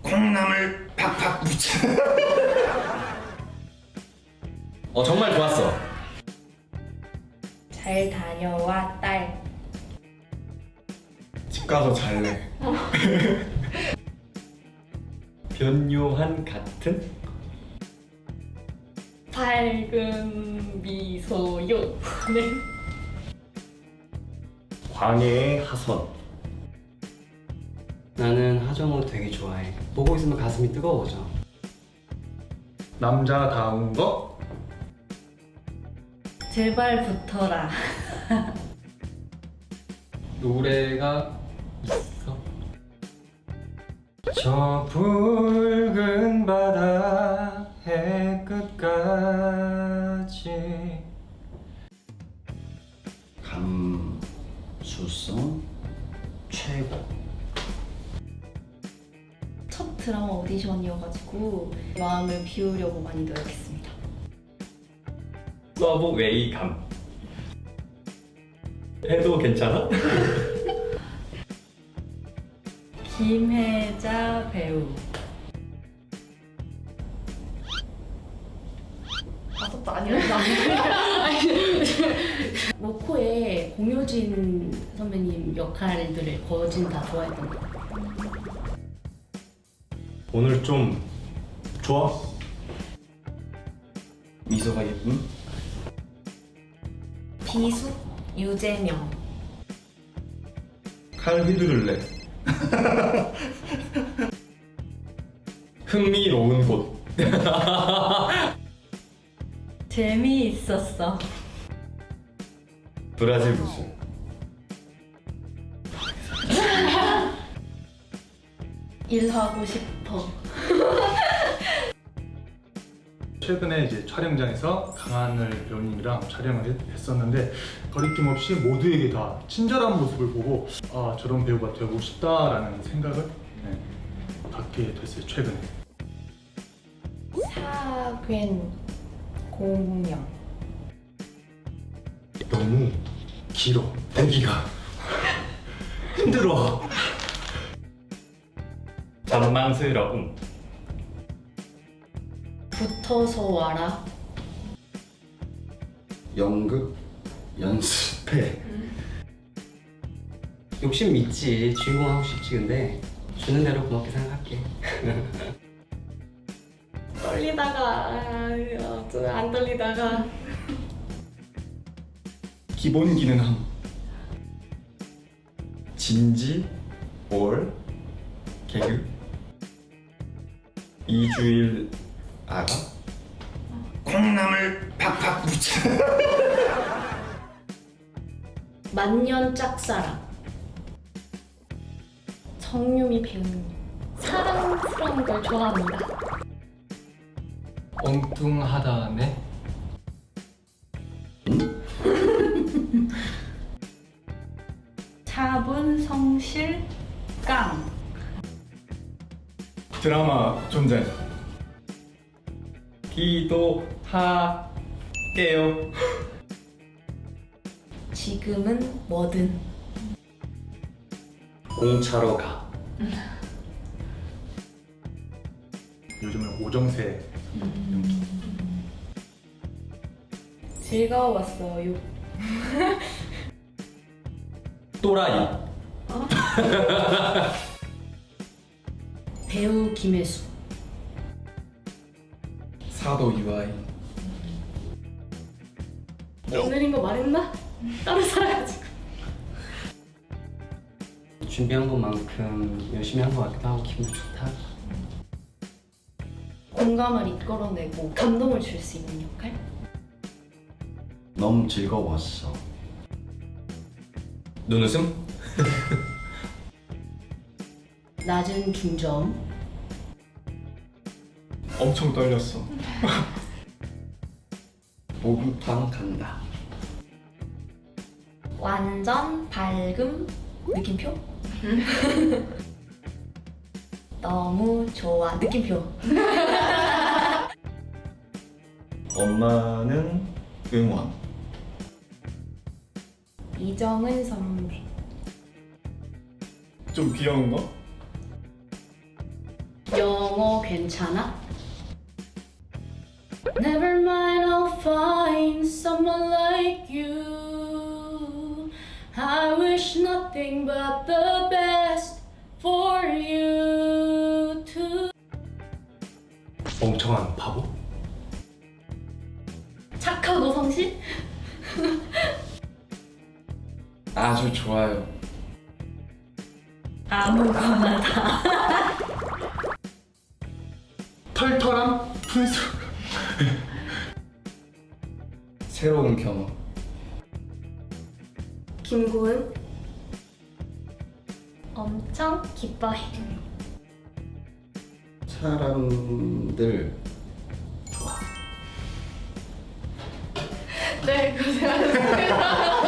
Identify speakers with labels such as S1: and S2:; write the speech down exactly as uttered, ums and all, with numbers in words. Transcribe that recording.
S1: 콩나물 팍팍 묻혀.
S2: 어 정말 좋았어.
S3: 잘 다녀와 딸.
S1: 집 가서 잘래.
S2: 변요한 같은
S3: 밝은 미소요. 네.
S2: 광해의 하선.
S4: 나는 하정우 되게 좋아해. 보고 있으면 가슴이 뜨거워져.
S1: 남자다운 거?
S3: 제발 붙어라.
S4: 노래가 있어.
S1: 저 붉은 바다 해끝까지 감수성 최고.
S3: 첫 드라마 오디션이어가지고 마음을 비우려고 많이 노력했습니다.
S2: 서브 웨이감. 해도 괜찮아?
S3: 김혜자 배우. 아무것도 아니었나? 모코의 공효진 선배님 역할들을 거진 다 좋아했던 것 같아요.
S2: 오늘 좀 좋아?
S1: 미소가 예쁜?
S3: 비숙 유재명.
S1: 칼 휘두를래.
S2: 흥미로운 곳.
S3: 재미있었어.
S2: 브라질 무술.
S3: 일하고 싶어.
S5: 최근에 이제 촬영장에서 강하늘 배우님이랑 촬영을 했- 했었는데 거리낌 없이 모두에게 다 친절한 모습을 보고 아 저런 배우가 되고 싶다라는 생각을 네, 갖게 됐어요 최근에.
S3: 사괴 공명.
S2: 너무 길어. 보기가 힘들어. 잔망스러움.
S3: 붙어서 와라.
S1: 연극 연습해.
S4: 욕심 있지. 주인공 하고 싶지. 근데 주는 대로 고맙게 생각할게.
S3: 떨리다가 아, 좀 안 떨리다가
S1: 기본 기능함. 진지 올 개그 이주일 알아? 콩나물 팍팍 묻혀.
S3: 만년 짝사랑. 정유미 배우님. 사랑스러운 걸 좋아합니다.
S4: 엉뚱하다네.
S3: 차분 성실 깡.
S1: 드라마 존재.
S2: 기도할게요.
S3: 지금은 뭐든.
S2: 공차로 가.
S5: 요즘은 오정세
S3: 즐거웠어요.
S2: 또라이.
S3: 배우 김혜수.
S1: 사도 유아인.
S3: 오늘인 거 말했나? 따로 살아가지고.
S4: 준비한 것만큼 열심히 한 것 같기도 하고 기분 좋다.
S3: 공감을 이끌어내고 감동을 줄 수 있는 역할?
S1: 너무 즐거웠어.
S2: 눈웃음.
S3: 낮은 중점.
S1: 엄청 떨렸어. 목욕탕 간다.
S3: 완전 밝음. 느낌표? 너무 좋아. 느낌표.
S1: 엄마는 응원.
S3: 이정은 선배.
S1: 좀 귀여운 거?
S3: 영어 괜찮아? Never mind, I'll find someone like you. I wish nothing but the best for you too.
S5: 멍청한 바보?
S3: 착하고 성실?
S1: 아주 좋아요.
S3: 아무거나 다.
S5: 털털한 분수.
S1: 새로운 경험.
S6: 김고은
S3: 엄청 기뻐해.
S1: 사람들
S3: 네, 고생하셨습니다.